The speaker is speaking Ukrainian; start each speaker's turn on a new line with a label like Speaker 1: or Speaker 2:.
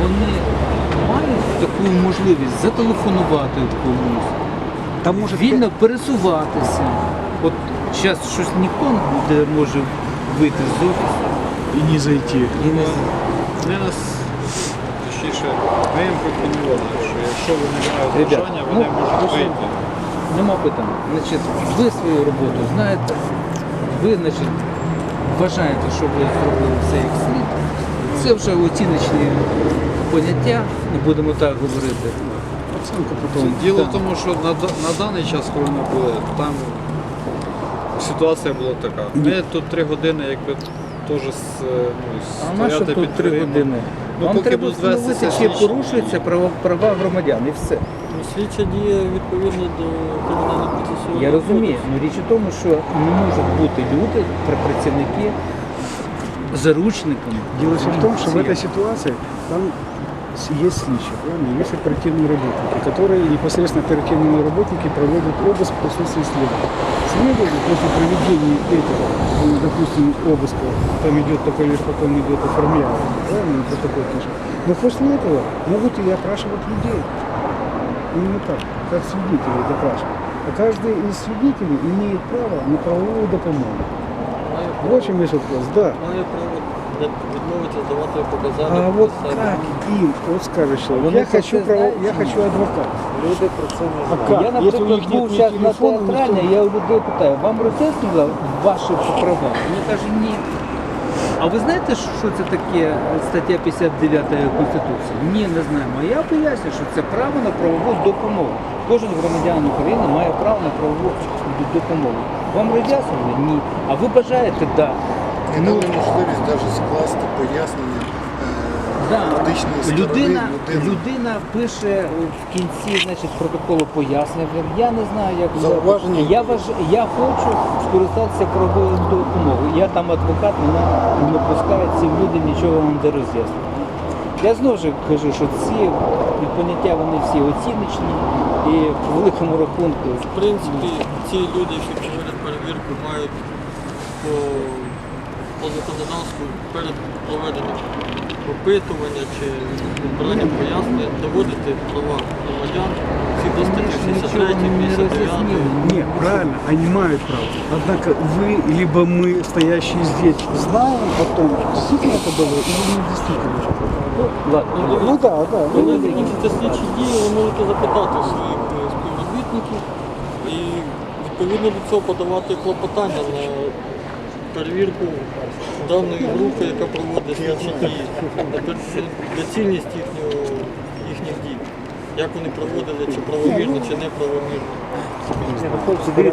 Speaker 1: вони мають таку можливість зателефонувати комусь,
Speaker 2: Там может
Speaker 1: вільно пересуватися. От зараз щось ніхто не може вийти з офісу.
Speaker 2: и не зайти.
Speaker 1: І не...
Speaker 3: Вони нас, точніше, ми їм пропонували, що якщо вони мають
Speaker 1: Ребят,
Speaker 3: бажання, вони можуть вийти.
Speaker 1: Нема питань. Значить, ви свою роботу знаєте, ви, значить, вважаєте, що ви зробили все як слід. Це вже оціночні поняття, не будемо так говорити.
Speaker 2: Оценку потом.
Speaker 3: Діло
Speaker 1: Так.
Speaker 3: в тому, що на даний час, коли ми були, там ситуація була така. Ми тут 3 години якби теж
Speaker 1: А на що
Speaker 3: стояти
Speaker 1: тут
Speaker 3: під
Speaker 1: 3
Speaker 3: дверима.
Speaker 1: години?
Speaker 3: Ну,
Speaker 1: Вам
Speaker 3: поки
Speaker 1: треба
Speaker 3: будуть вестися
Speaker 1: встановити, чи
Speaker 3: слідчі
Speaker 1: порушуються права громадян, і все.
Speaker 4: Ну, слідча діє відповідно до кримінального процесуального
Speaker 1: Я розумію,
Speaker 4: кодексу.
Speaker 1: але річ у тому, що не можуть бути люди, працівники, заручниками.
Speaker 2: Дело все в том, что в
Speaker 1: Всі.
Speaker 2: этой ситуации там есть сличи, правильно? Есть оперативные работники, которые непосредственно оперативные работники проводят обыск в присутствии следователя. Следователь после проведения этого, допустим, обыска, там идет договор, потом идет оформление, правильно, протокол пишет. Но после этого могут и опрашивать людей. Именно так, как свидетелей допрашивать. А каждый из свидетелей имеет право на правовую допомогу. Вот в чем весь вопрос, да.
Speaker 4: Має право відмовити здавати показання.
Speaker 2: А вот
Speaker 4: про себе.
Speaker 2: как им, вот скажет человек,
Speaker 1: Вони
Speaker 2: я
Speaker 1: про
Speaker 2: хочу,
Speaker 1: це знають
Speaker 2: я
Speaker 1: чи
Speaker 2: хочу
Speaker 1: ні?
Speaker 2: адвоката.
Speaker 1: Люди про це не
Speaker 2: А
Speaker 1: знають.
Speaker 2: как?
Speaker 1: Я,
Speaker 2: Если у
Speaker 1: наприклад,
Speaker 2: них
Speaker 1: був
Speaker 2: нет ни
Speaker 1: зараз на
Speaker 2: телефона,
Speaker 1: театральне,
Speaker 2: ничего.
Speaker 1: я у людей питаю, вам роз'яснили ваші права? Вони кажуть, ні. А ви знаєте, що це таке стаття 59 Конституції? Ні, не знаємо. А я поясню, що це право на правову допомогу. Кожен громадянин України має право на правову допомогу. Вам роз'яснили? Ні. А ви бажаєте? Так.
Speaker 5: І дали можливість навіть скласти пояснення
Speaker 1: Да.
Speaker 5: юридичної сторони
Speaker 1: Людина,
Speaker 5: людини.
Speaker 1: людина пише в кінці, значить, протоколу пояснення. Я не знаю, як
Speaker 5: Зауваження.
Speaker 1: я хочу скористатися правовою допомогою. Я там адвокат, мене не пускають, ці люди нічого вам не роз'яснюють. Я знову ж кажу, що ці поняття вони всі оціночні і в великому рахунку.
Speaker 4: В принципі, ці люди, які проводять перевірку, мають по законодавству перед проведенням опитування чи збиранням пояснень доводити права громадян, всі до статті 63, 59.
Speaker 2: Нет, правильно, они имеют право. Однако вы, либо мы, стоящие здесь, знаем о том, действительно это было или не действительно.
Speaker 1: Ладно.
Speaker 2: Ну да, да.
Speaker 4: Коли закінчаться слідчі дії, ви можете запитати своїх співробітників і відповідно до цього подавати клопотання на перевірку даної групи, яка проводить слідчі дії, на доцільність їхніх дій. Як вони проводили, чи правомірно, чи неправомірно.